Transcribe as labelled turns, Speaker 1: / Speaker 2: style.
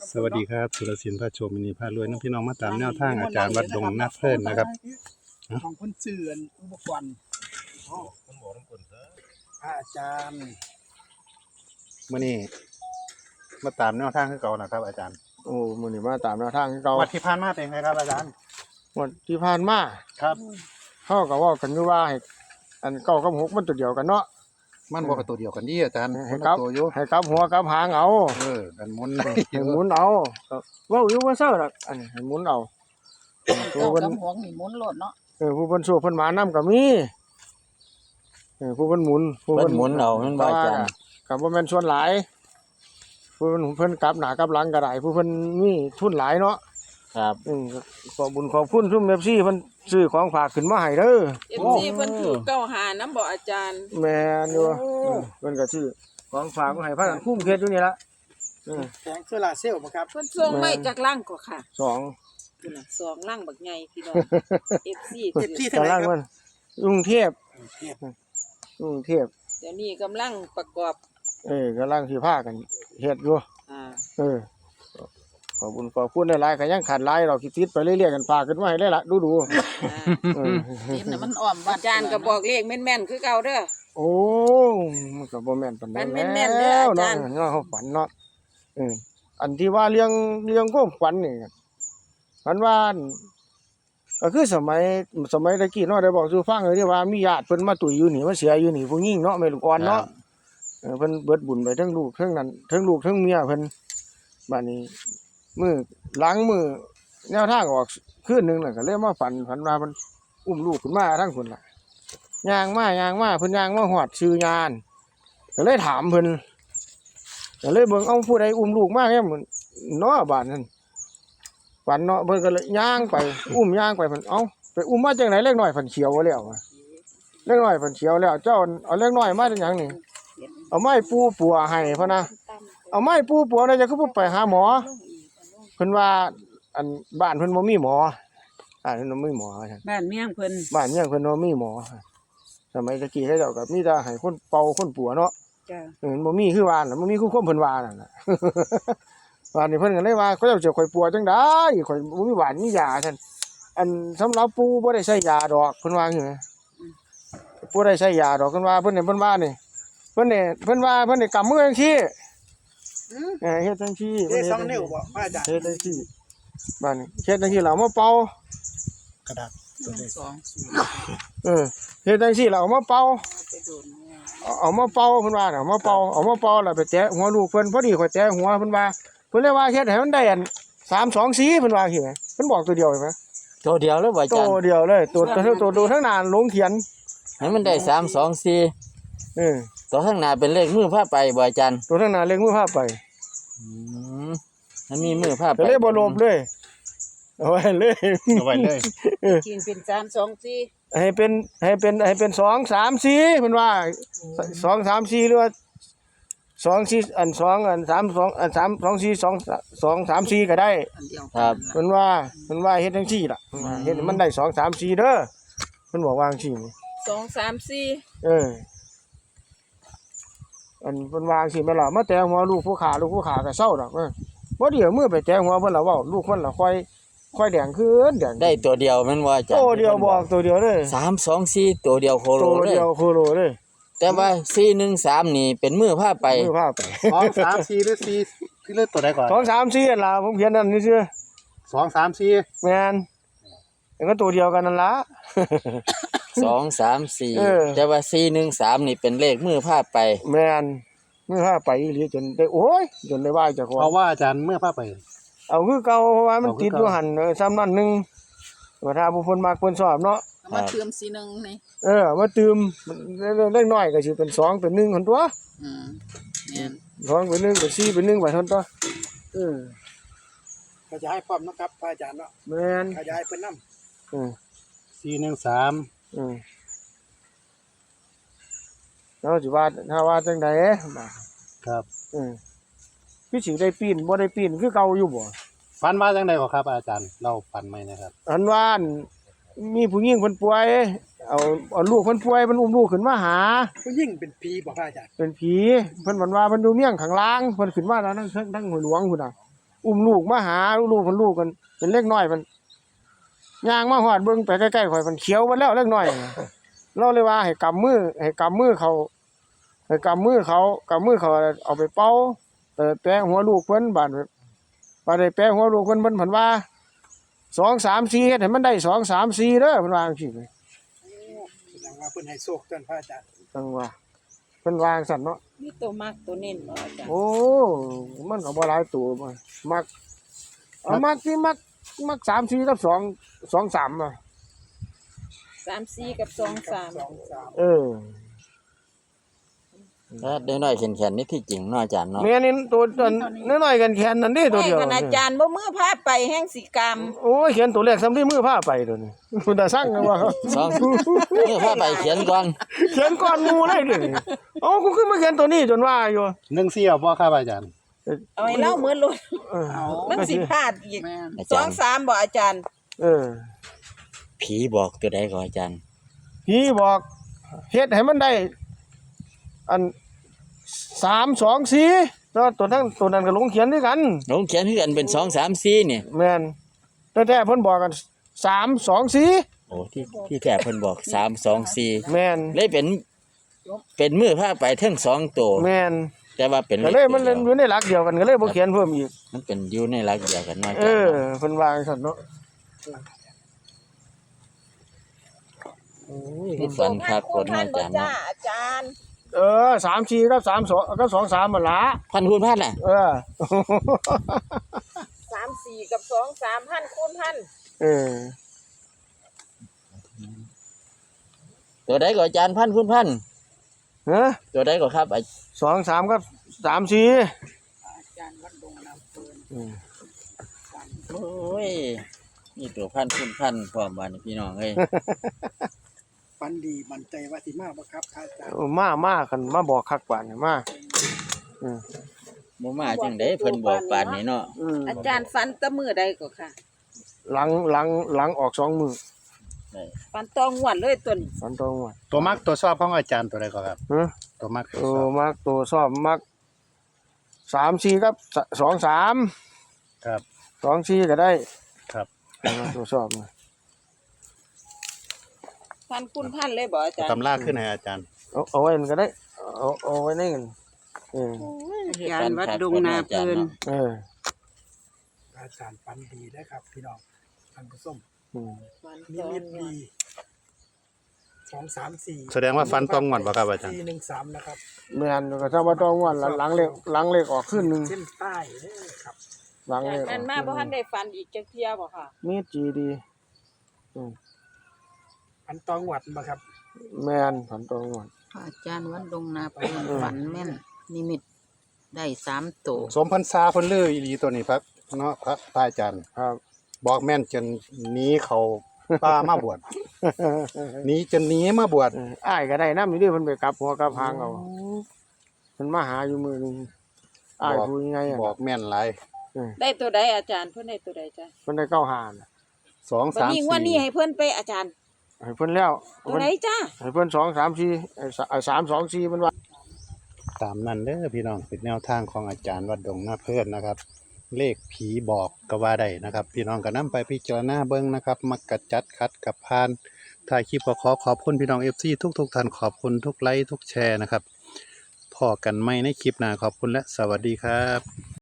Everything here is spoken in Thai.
Speaker 1: สวัสดีครับสุรศิลป์พระชมมินีพารวยน้องพี่น้องมาตามแนวทางอาจารย์วัดดงนาเพิ่นนะครับ
Speaker 2: ของคนเสื่อนอุปกรณ์อาจารย์
Speaker 1: มื้อนี้มาตามแนวทางคือเก่านะครับอาจารย์
Speaker 3: โอ้มื้อนี้มาตามแนวทางคือเก่า
Speaker 1: วัดที่ผ่านมาเป็นไงครับอาจารย์
Speaker 3: งวดที่ผ่านมา
Speaker 1: ครับ
Speaker 3: เฮาก็เว้ากันอยู่ว่าให้อันเก้ากับ6มันตัวเดียวกันเนาะ
Speaker 1: มันบ่เป็นตัวเดียวกันนี่อาจารย์
Speaker 3: ให้กลับ
Speaker 1: ตัวอยู่
Speaker 3: ให้กลับหัวกลับหางเอา
Speaker 1: กันหมุน
Speaker 3: ให้หมุนเอาก็เว้าอยู่ว่าเซาดอกอันนี้ให้หมุนเอา
Speaker 2: ตัวเพิ่นกับหัวนี่หมุนโลดเนาะ
Speaker 3: ผู้เพิ่นสู้เพิ่นหมานํก็มีผู้เพิ่นหมุน
Speaker 4: เพิ่นหมุนเอามันบ่อาจารย์
Speaker 3: ก็บ่แม่นส่วนหลายผู้เพิ่นกลับหน้ากลับหลังก็ได้ผู้เพิ่นมีทุนหลายเนาะ
Speaker 4: ครับ
Speaker 3: ขอบุญขอบคุณซุ่ม FC เพิ่นซื้อของฝากขึ้นมาให้เด้อ
Speaker 5: FC เพิ่นถูกเก้าหาน้ำบ่อาจารย์
Speaker 3: แม่นอยู่เพิ่นก็ซื้อของฝากมาให้พากันคุ้มเฮ็ดอยู่นี่ล่ะ
Speaker 2: แสงโซลาร์เซลล์บ่ครับ
Speaker 5: เพิ่นส่งไม่จากล่างก็ค่ะ
Speaker 3: 2
Speaker 5: พุ่นน่ะ2ล่างบักใหญ่พี่น้อง FC
Speaker 2: เท่าไหร่ครับ
Speaker 3: กรุงเทพ
Speaker 5: เดี๋ยวนี้กำลังประกอบ
Speaker 3: กำลังสิพากันเฮ็ดอยู่ขอบคุณหลายๆก็ยังขาดหลายเราสิติดไปเรื่อยๆกันฝากขึ้นมาให้ได้ล่ะดู
Speaker 2: ติดน่ะมันอ้อม
Speaker 5: อาจารย์ก็บอกเลขแม่นๆคือเก่าเด้อ
Speaker 3: โอ้มันก็บ่แม่นปานใด
Speaker 5: มันแม่นๆเด้ออาจารย์
Speaker 3: เนาะเฮาฝันเนาะอันที่ว่าเรื่องความฝันนี่ฝันว่าก็คือสมัยตะกี้เนาะได้บอกสู่ฟังเลยที่ว่ามีญาติเพิ่นมาตุ๋ยอยู่นี่มาเสียอยู่นี่ผู้หญิงเนาะแม่ลูกอ่อนเนาะเพิ่นเบิดบุญไปทั้งลูกทั้งนั้นทั้งลูกทั้งเมียเพิ่นบัดนี้มื้อหลังมื้อแนวทางออกคืนนึงน่ะก็เลยมาฝันว่ามันอุ้มลูกขึ้นมาทั้งคนล่ะย่างมาเพิ่นย่างมาฮอดชื่อยานก็เลยถามเพิ่นก็เลยเบิ่งเอาผู้ใดอุ้มลูกมาแม่นเนาะบ้านนั้นฝันเนาะเพิ่นก็เลยย่างไปอุ้มย่างไปเพิ่นเอ้าไปอุ้มมาจังได๋เล็กน้อยเพิ่นเขียวแล้วเล็กน้อยเพิ่นเขียวแล้วเจ้าเอาเล็กน้อยมาจังหยังนี่เอาไม้ปูปัวให้เพิ่นนะเอาไม้ปูปัวได้จะคือบ่ไปหาหมอเพิ่นว่าอันบ้านเพิ่นบ่มีหมอเพิ่นบ่มีหมอซั่น
Speaker 5: บ้านเมียงเพิ่น
Speaker 3: บ้านเมียงเพิ่นบ่มีหมอสมัยตะกี้เขาเจ้าก็มีแต่ให้คนเป่าคนปัวเนาะ
Speaker 5: จ้ะ
Speaker 3: บ่มีคือว่าน่ะบ่มีคือความเพิ่นว่านั่นน่ะบ้านนี้เพิ่นก็เลยว่าเขาเจ้าสิข่อยปัวจังได๋ข่อยบ่มีหวานมียาซั่นอันสำหรับปู่บ่ได้ใช้ยาดอกเพิ่นว่าจังซี่ปู่ได้ใช้ยาดอกเพิ่นว่านี่เพิ่นว่านี่เพิ่นว่าเพิ่นได้กำมือจังซี่เฮ็ดจังซี่
Speaker 2: เฮ็ด2นิ้วบ่อาจารย์
Speaker 3: เฮ็ดจังซี่บ้านนี้เฮ็ดจังซี่แล้วมาเป่าก
Speaker 1: ระดาษตัวเลข
Speaker 3: เฮ็ดจังซี่แล้วเอามาเป่าเพิ่นว่าเอามาเป่าแล้วไปแตะหัวลูกเพิ่นพอดีข่อยแตะหัวเพิ่นว่าเพิ่นเลยว่าเฮ็ดให้มันได้อัน324เพิ่นว่าสิเพิ่นบอกตัวเดียวมั้ย
Speaker 4: ตัวเดียวเลยบ่อาจารย์
Speaker 3: ตัวเดียวเลยตัวทั้งหน้าลงเขียน
Speaker 4: ให้มันได้324ตัวข้างหน้าเป็นเลขมือพาไปบ่อาจารย์
Speaker 3: ตัวทั้งหน้าเลขมือพาไป
Speaker 4: มันมีมือพาไป
Speaker 3: เลยบ่ลบเลยเอาไว้เลย
Speaker 5: กินเป็น324
Speaker 3: ให้เป็น2 3 4เพิ่นว่า2 3 4หรือว่า2 4อัน2อัน3 2อัน3 2 4 2 3 4ก็ได้
Speaker 4: ครับ
Speaker 3: เพิ่นว่าเฮ็ดจังซี่ล่ะเฮ็ดให้มันได้2 3 4เด้อเพิ่นบอกว่าจังซี่
Speaker 5: 2 3 4
Speaker 3: อันเพิ่นว่าจังซี่แม่นล่ะมาแตะหัวลูกผู้ขาก็เซาดอกบ่เดี๋ยวมือไปแตะหัวเพิ่นล่ะเว้าลูกเพิ่นล่ะค่อยแดงขึ้นแดง
Speaker 4: ได้ตัวเดียวแม่นบ่อาจารย์
Speaker 3: ตัวเดียวบอกตัวเดียวเลย
Speaker 4: 324ตัวเดียวโคโลเลย
Speaker 3: ตัวเดียวโคโลเลย
Speaker 4: แต่ว่า413นี่เป็นมือพาไป
Speaker 1: 2 3 4หรือ4คือเลขตัวใดก่อน
Speaker 3: 2 3 4นั่นล่ะผมเขียนนั่นซื่อ
Speaker 1: 2 3 4
Speaker 3: แม่นก็ตัวเดียวกันนั่นล่ะ
Speaker 4: 2 3 4แต่ว่า413นี่เป็นเลขมือพาไป
Speaker 3: แม่นมือพาไปอีหลีจนได้โอ้ยจนได้ว่าเจ้าของ
Speaker 1: เพราะว่าอาจารย์เมื่อพาไป
Speaker 3: เอาคือเก่าเพราะว่ามันติดอยู่หั่นซ้ำนั่นนึงว่าถ้าผู้เพิ่นมักเพิ่นชอบเนาะ
Speaker 5: มาเติม41นี่
Speaker 3: มาเติมเล็กน้อยก็สิเป็น2เป็น1หั่นตัว
Speaker 5: แม่น
Speaker 3: 2เป็น1เป็น4เป็น1ว่าซั่นตัว
Speaker 2: ขยายพร้อมนะครับพระอาจารย์เนาะ
Speaker 3: แม่น
Speaker 2: ขยายเพิ่นนำ
Speaker 1: 413
Speaker 3: แล้วสิว่าถ้าว่าจังได๋
Speaker 1: ครับ
Speaker 3: พี่สิได้ปีนบ่ได้ปีนคือเก่าอยู่บ่
Speaker 1: ฝันว่าจังได๋บ่ครับอาจารย์เล่าฝันใหม่นะครับ
Speaker 3: อันว่ามีผู้หญิงเพิ่นป่วยเอาลูกเพิ่นป่วยเพิ่นอุ้มลูกขึ้นมาหา
Speaker 2: ผู้หญิงเป็นผีบ่พระอาจารย์
Speaker 3: เป็นผีเพิ่นว่าเพิ่นดูเมี่ยงข้างล่างเพิ่นขึ้นมาแล้วทั้งห้วยหลวงพุ่นน่ะอุ้มลูกมาหาลูกมันลูกกันเป็นเล็กน้อยมันย่างมาฮอดเบิ่งไปใกล้ๆข่อยมันเขียวหมดแล้วเล็กน้อยเราเลยว่าให้กำมือเขาให้กำมือเขาเอาไปเป่าแปะหัวลูกเพิ่นบาดได้แปะหัวลูกเพิ่นเพิ่นว่า2 3 4เฮ็ดให้มันได้2 3 4เด้อเพิ่นว่าจังซี่
Speaker 2: แสดงว่าเพิ่นให้โชคท่านพระอาจารย์
Speaker 3: จังว่าเพิ่นวาจังซั่นเนาะ
Speaker 5: มีตัวมักตัวเน้นบ่อาจารย์
Speaker 3: โอ้มันก็บ่หลายตัวบ่มักมักที่มัก3 4กับ2 3อ่ะ
Speaker 5: 3-4กับ2-3
Speaker 3: เออ
Speaker 4: ถ้าได้น้อยๆแข็งๆนี่ที่จริงเนาะอาจารย์เนาะ
Speaker 3: แม่นี่ตัวน้อยๆกันแขนนั่นเด้ตัวเดียว
Speaker 5: ให้อาจารย์บ่มือพาไปแห่งสิกรรม
Speaker 3: โอ้ยเขียนตัวเลขซ้ำที่มือพาไปตัวนี้คุณตาสั่งว่า
Speaker 4: สองเมื่อพาไปเขียนก่อน
Speaker 3: เขียนก่อนหมู่เลยเด้เอ้ากูขึ้นมาเขียนตัวนี้จนว่าอยู่
Speaker 1: 14เอาบ่ครับอาจารย์
Speaker 5: เอาให้เล่าเหมือนโลด
Speaker 3: เออ
Speaker 5: มันสิพลาดอีก
Speaker 4: อาจารย์
Speaker 5: 2-3บ่อาจารย์
Speaker 3: เออ
Speaker 4: ผีบอกตัวใดก่อนอาจารย์
Speaker 3: พี่บอกเฮ็ดให้มันได้อัน3 2 4ตัวนั้นก็ลงเขียนด้วยกัน
Speaker 4: ลงเขียนคือกันเป็น2 3 4นี่
Speaker 3: แม่นแต่แท้เพิ่นบอกกัน3 2 4
Speaker 4: โอ้ที่แท้เพิ่นบอก3 2 4
Speaker 3: แม่น
Speaker 4: เลยเป็นมือพาไปทั้ง2ตัว
Speaker 3: แม่น
Speaker 4: แต่ว่าเป็น
Speaker 3: ก็เลยมันเล่นอยู่ในหลักเดียวกันก็เลยบ่เขียนเพิ่มอีก
Speaker 4: มันเป็นอยู่ในหลักเดียวกันเนาะอา
Speaker 3: เอ
Speaker 4: จาร
Speaker 3: อ
Speaker 4: ย์
Speaker 3: เพิ่นว่าจังซั่นเนาะ
Speaker 4: โอ้ยคือฝันคักคนเนาะอาจารย์เนาะ
Speaker 5: อาจารย์
Speaker 3: เออ3 4กับ3 2กับ2 3มันละ
Speaker 4: พันคูณพันน่ะ
Speaker 3: เออ
Speaker 5: 3-4กับ2-3พันคูณพัน
Speaker 3: เออ
Speaker 4: ตัวใดก่อนอาจารย์พันคูณพัน
Speaker 3: ฮะ
Speaker 4: ตัวใดก่อนครับ
Speaker 3: 2 3กับ3 4
Speaker 5: อาจารย์วัดดงน้ำเพิ่น
Speaker 4: โอ้ยนี่ตัวพันคูณพันพร้อมบ้านพี่น้องเอ้ย
Speaker 2: ฝันดีมั่นใจว่าสิมาบ่ครับพระอาจารย์
Speaker 3: มาคันมาบอกคักปานนี่มา
Speaker 4: บ่มาจังได๋เพิ่นบอกปานนี้เนาะ
Speaker 5: อาจารย์ฝันแตะมื้อใดก็ค่ะ
Speaker 3: หลังออก2มื้อ
Speaker 5: ฝันตองหวนเลยตัวนี้
Speaker 3: ฝันตรงว่า
Speaker 1: ตัวมักตัวชอบของอาจารย์ตัวใดก็ครับ
Speaker 3: ฮะ
Speaker 1: ตัวมักตัว
Speaker 3: โอ้
Speaker 1: ชอบ
Speaker 3: มักตัวชอบมัก3 4กับ2 3
Speaker 1: ครับ
Speaker 3: 2 4ก็ได้
Speaker 1: ครับ
Speaker 3: ตัวชอบนะ
Speaker 5: พันคูณพันเลยบ่อาจารย์
Speaker 1: ตำราขึ้นให้อาจารย์
Speaker 3: เอาไว้มันก็ได้เอาไว้ในกันเออ
Speaker 5: อาจารย์วัดดงนาเพิ่น
Speaker 3: เออ
Speaker 2: พระอาจารย์ฝันดีนะครับพี่น้องท่านผู้ชม
Speaker 3: อืม
Speaker 5: ฝัน
Speaker 2: นิ
Speaker 5: ตอง
Speaker 2: มิต
Speaker 5: หว
Speaker 2: ดี
Speaker 5: น
Speaker 2: 2 3 4
Speaker 1: แสดงว่าฟันต้องงอนบ่ครับอาจารย์
Speaker 2: 4 1 3นะครับ
Speaker 3: แม่นก็ถ้าว่าต้องว่าหลังเลขออกขึ้นหนึง
Speaker 2: เส้นใต้เด้อครับ
Speaker 3: หลังเล
Speaker 5: จาก
Speaker 3: ขออก
Speaker 5: นั้นมาบ่ทันได้ฝันอีกจักเที่ยบ่ค่ะ
Speaker 3: มีจีดี
Speaker 2: ฝันตองหวัดบ่ครับ
Speaker 3: แม่นฝันตรงว่า
Speaker 6: อาจารย์วัดดงนาเพิ่นฝันแม่นนิมิตได้3ตัว
Speaker 1: สมพรรษาเพิ่นลืออีหลีตัวนี้ครับเนาะพระอาจารย์
Speaker 3: ครับ
Speaker 1: บอกแม่นจนหนีเขาป่ามาบวชหนีจนหนีมาบวช
Speaker 3: อ้ายก็ได้นำอยู่ดิเพิ่นไปกลับหัวกลับหางเอาเพิ่นมาหาอยู่มื้อนึงอ้ายผู้ยังไง
Speaker 1: บอกแม่นหลาย
Speaker 5: ได้ตัวใดอาจารย์เพิ่นได้ตัวใดจ้ะ
Speaker 3: เพิ่นได้เข้าหาน่ะ
Speaker 1: 2
Speaker 5: วัน
Speaker 1: 3
Speaker 5: นี้วันนี้ให้เพิ่นไปอาจารย์
Speaker 3: ให้เพิ่นแล้ว
Speaker 5: ตัวไหนจ้า
Speaker 3: ให้เพิ่น2 3 4 3 2 4เพิ่นว่า
Speaker 1: ตามนั้นเด้อพี่น้องเป็นแนวทางของอาจารย์วัดดงนาเพิ่นนะครับ เลขผีบอกก็ว่าได้นะครับ พี่น้องก็นำไปพิจารณาเบิ่งนะครับ มักกะจัดคัดกับพานถ่ายคลิปก็ขอบคุณพี่น้อง FC ทุกท่านขอบคุณทุกไลค์ทุกแชร์นะครับพอกันใหม่ในคลิปหน้าขอบคุณและสวัสดีครับ